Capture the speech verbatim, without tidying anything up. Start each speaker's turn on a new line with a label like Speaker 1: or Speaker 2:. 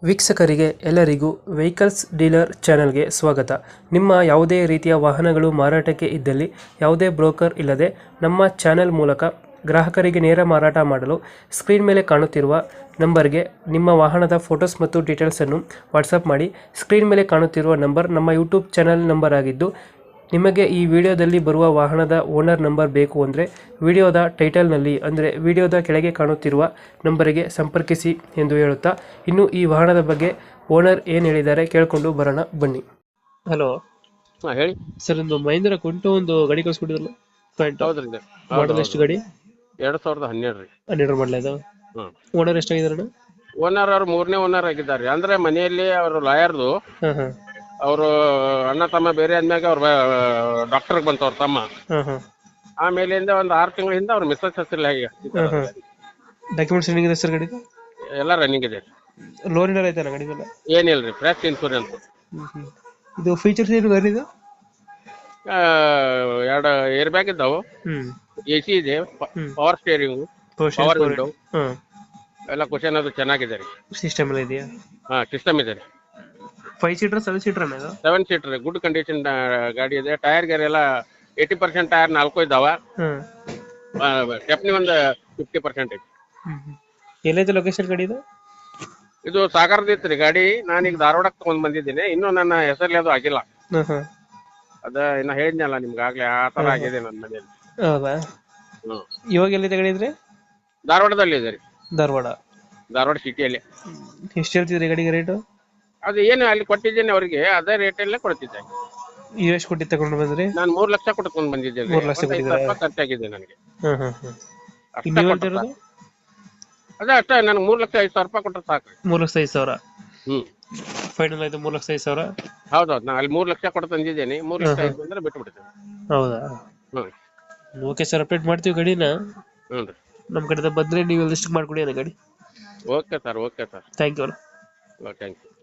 Speaker 1: ವೀಕ್ಷಕರಿಗೆ ಎಲ್ಲರಿಗೂ vehicles dealer ಚಾನೆಲ್ಗೆ ಸ್ವಾಗತ. ನಿಮ್ಮ ಯಾವುದೇ ರೀತಿಯ ವಾಹನಗಳು ಮಾರಾಟಕ್ಕೆ ಇದ್ದಲ್ಲಿ ಯಾವುದೇ ಬ್ರೋಕರ್ ಇಲ್ಲದೆ ನಮ್ಮ ಚಾನೆಲ್ ಮೂಲಕ ಗ್ರಾಹಕರಿಗೆ ನೇರ ಮಾರಾಟ ಮಾಡಲು ಸ್ಕ್ರೀನ್ ಮೇಲೆ ಕಾಣುತ್ತಿರುವ ನಂಬರ್ಗೆ ನಿಮ್ಮ ವಾಹನದ ಫೋಟೋಸ್ ಮತ್ತು ಡೀಟೇಲ್ಸನ್ನು ವಾಟ್ಸಪ್ ಮಾಡಿ. ಸ್ಕ್ರೀನ್ ಮೇಲೆ ಕಾಣುತ್ತಿರುವ ನಂಬರ್ ನಮ್ಮ ಯೂಟ್ಯೂಬ್ ಚಾನೆಲ್ ನಂಬರ್ ಆಗಿದ್ದು, ನಿಮಗೆ ಈ ವಿಡಿಯೋದಲ್ಲಿ ಬರುವ ವಾಹನದ ಓನರ್ ನಂಬರ್ ಬೇಕು ಅಂದರೆ ವಿಡಿಯೋದ ಟೈಟಲ್ನಲ್ಲಿ ಅಂದರೆ ವಿಡಿಯೋದ ಕೆಳಗೆ ಕಾಣುತ್ತಿರುವ ನಂಬರಿಗೆ ಸಂಪರ್ಕಿಸಿ ಎಂದು ಹೇಳುತ್ತಾ, ಇನ್ನು ಈ ವಾಹನದ ಬಗ್ಗೆ ಓನರ್ ಏನು ಹೇಳಿದ್ದಾರೆ ಕೇಳಿಕೊಂಡು ಬರೋಣ ಬನ್ನಿ. ಹಲೋ
Speaker 2: ಹಾ ಹೇಳಿ
Speaker 1: ಸರ್, ಒಂದು ಮಹೇಂದ್ರ ಕುಂಟು ಒಂದು ಗಾಡಿ ಕಳಿಸ್ಕೊಟ್ಟಿದ್ರಲ್ಲ,
Speaker 2: ಹೌದ್ರಿ ಇದು. ಹೌದು,
Speaker 1: ಮಾಡಲ್
Speaker 2: ಹೌದು.
Speaker 1: ಎಷ್ಟು ಗಾಡಿ?
Speaker 2: ಎರಡ್ ಸಾವಿರದ ಹನ್ನೆರಡು ರೀ.
Speaker 1: ಹನ್ನೆರಡು ಮಾಡಲ ಇದು.
Speaker 2: ಹ್ಮ್
Speaker 1: ಓನರ್ ಎಷ್ಟಾಗಿದಾರಣ?
Speaker 2: ಓನರ್ ಅವ್ರು ಮೂರನೇ ಓನರ್ ಆಗಿದ್ದಾರೆ. ಅಂದ್ರೆ ಮನೆಯಲ್ಲಿ ಅವರು ಲಾಯರ್ದು,
Speaker 1: ಹಾಂ ಹಾಂ
Speaker 2: ಅವರು ಅಣ್ಣ ತಮ್ಮ ಬೇರೆ ಆದ್ಮ್ಯಾಗ ಅವ್ರ ಡಾಕ್ಟರ್ ಬಂತ ಅವ್ರ ತಮ್ಮ.
Speaker 1: ಹಾಂ ಹಾಂ
Speaker 2: ಆಮೇಲಿಂದ ಒಂದ್ ಆರು ತಿಂಗಳ ಹಿಂದ ಅವ್ರ ಮಿಸ್ಸಸ್ ಹೆಸರು ಈಗ
Speaker 1: ಹಾಂ ಹಾಂ ಡಾಕ್ಯುಮೆಂಟ್ಸ್ ಏನಿದೆ ಸರ್ ಗಾಡಿ?
Speaker 2: ಎಲ್ಲ ರನ್ನಿಂಗ್ ಇದೆ.
Speaker 1: ಲೋನ್ ಏನಾರ ಆಯ್ತಾನ ಗಾಡಿ ಮೇಲೆ?
Speaker 2: ಏನಿಲ್ರಿ, ಫ್ರೆಶ್ ಇನ್ಸೂರೆನ್ಸ್.
Speaker 1: ಇದು ಫೀಚರ್ಸ್ ಏನು ಗಾಡಿ ಇದು?
Speaker 2: ಎರಡು ಏರ್ ಬ್ಯಾಗ್ ಇದ್ದಾವು,
Speaker 1: ಹ್ಞೂ
Speaker 2: ಎ ಸಿ ಇದೆ, ಪವರ್ ಸ್ಟೇರಿಂಗ್, ಪವರ್ ವಿಂಡೋ
Speaker 1: ಹಾಂ
Speaker 2: ಎಲ್ಲ ಕ್ವಶನ್ ಅದು ಚೆನ್ನಾಗಿದೆ ರೀ.
Speaker 1: ಸಿಸ್ಟಮ್ ಎಲ್ಲ ಇದೆಯಾ?
Speaker 2: ಹಾ ಸಿಸ್ಟಮ್ ಇದೆ ರೀ.
Speaker 1: ಫೈವ್ ಸೀಟರ್ ಸೆವೆನ್ ಸೀಟರ್ ಇದು?
Speaker 2: ಸೆವೆನ್ ಸೀಟರ್ ಗುಡ್ ಕಂಡೀಷನ್ ಗಾಡಿ ಇದೆ. ಟೈರ್ ಗೇರ್ ಎಲ್ಲ ಏಯ್ಟಿ ಪರ್ಸೆಂಟ್ ಟೈರ್ ನಾಲ್ಕು ಇದಾವ.
Speaker 1: ಹಾಂ
Speaker 2: ಸ್ಟೆಪ್ನಿ ಒಂದು ಫಿಫ್ಟಿ ಪರ್ಸೆಂಟ್ ಐತಿ.
Speaker 1: ಎಲ್ಲೈತೆ ಲೊಕೇಶನ್ ಗಾಡಿ ಇದು?
Speaker 2: ಇದು ಸಾಗರದ ಇತ್ತು ರೀ ಗಾಡಿ. ನಾನೀಗ ಧಾರವಾಡಕ್ಕೆ ತಗೊಂಡ್ ಬಂದಿದ್ದೀನಿ. ಇನ್ನೂ ನನ್ನ ಹೆಸರಲ್ಲಿ ಅದು ಆಗಿಲ್ಲ.
Speaker 1: ಹಾಂ ಹಾಂ
Speaker 2: ಅದ ಇನ್ನ ಹೇಳಿದ್ನಲ್ಲ ನಿಮ್ಗೆ ಆಗ್ಲೇ, ಆ ತರ ಆಗಿದೆ ನನ್ನ ಮನೇಲಿ.
Speaker 1: ಹೌದಾ?
Speaker 2: ಹ್ಮ್
Speaker 1: ಇವಾಗ ಎಲ್ಲಿದೆ ಗಾಡಿ ಇದ್ರೆ?
Speaker 2: ಧಾರವಾಡದಲ್ಲಿ ಇದೆ ರೀ,
Speaker 1: ಧಾರವಾಡ.
Speaker 2: ಧಾರವಾಡ ಸಿಟಿಯಲ್ಲಿ.
Speaker 1: ಎಷ್ಟು ಹೇಳ್ತಿದ್ರಿ ಗಾಡಿಗೆ ರೇಟು?
Speaker 2: ಅದು ಏನು ಅಲ್ಲಿ ಕೊಟ್ಟಿದ್ದೇನೆ ಅವರಿಗೆ, ಅದೇ ರೇಟಲ್ಲೇ ಕೊಡ್ತಿದ್ದೆ.
Speaker 1: ನೀವು ಎಷ್ಟು ಕೊಟ್ಟು ತಗೊಂಡು ಬಂದ್ರಿ?
Speaker 2: ನಾನು ಮೂರ್ ಲಕ್ಷ ಕೊಟ್ಕೊಂಡ್ ಬಂದಿದ್ದೇನೆ.
Speaker 1: ಮೂರ್ ಲಕ್ಷ ಕೊಟ್ಟಿದ್ದೀರಾ?
Speaker 2: ಖರ್ಚಾಗಿದೆ ನನಗೆ.
Speaker 1: ಹಾಂ ಹಾಂ ಹಾಂ
Speaker 2: ಅಷ್ಟೇ
Speaker 1: ನೀವು
Speaker 2: ಕೊಟ್ರೆ
Speaker 1: ಹೇಳ್ತಿರೋದು?
Speaker 2: ಸಾಕು. ಅದೇ ಅಷ್ಟೇ, ನನಗೆ ಮೂರ್ ಲಕ್ಷ ಐದು ಸಾವಿರ ರೂಪಾಯಿ ಕೊಟ್ಟರೆ ಸಾಕು.
Speaker 1: ಮೂರು ಲಕ್ಷ ಐದು ಸಾವಿರ
Speaker 2: ಹ್ಮ್
Speaker 1: ಫೈನಲ್ ಆಯ್ತು. ಮೂರು ಲಕ್ಷ ಐದು ಸಾವಿರ?
Speaker 2: ಹೌದೌದು, ನಾನು ಅಲ್ಲಿ ಮೂರ್ ಲಕ್ಷ ಕೊಟ್ಟು ತಂದಿದ್ದೇನೆ. ಮೂರ್ ಲಕ್ಷ ಐದು ಬಂದ್ರೆ ಬಿಟ್ಟು ಬಿಡ್ತೇನೆ.
Speaker 1: ಹೌದಾ?
Speaker 2: ಹ್ಮ್
Speaker 1: ಓಕೆ ಸರ್, ಅಪ್ಡೇಟ್ ಮಾಡ್ತೀವಿ ಗಾಡಿನ.
Speaker 2: ಹ್ಞೂ ರೀ.
Speaker 1: ನಮ್ಮ ಕಡೆಯಿಂದ ಬಂದರೆ ನೀವು ಲಿಸ್ಟ್ ಮಾಡಿಕೊಡಿ ಅನ್ನ ಗಾಡಿ.
Speaker 2: Okay sir, okay sir.
Speaker 1: Thank you.
Speaker 2: Thank you.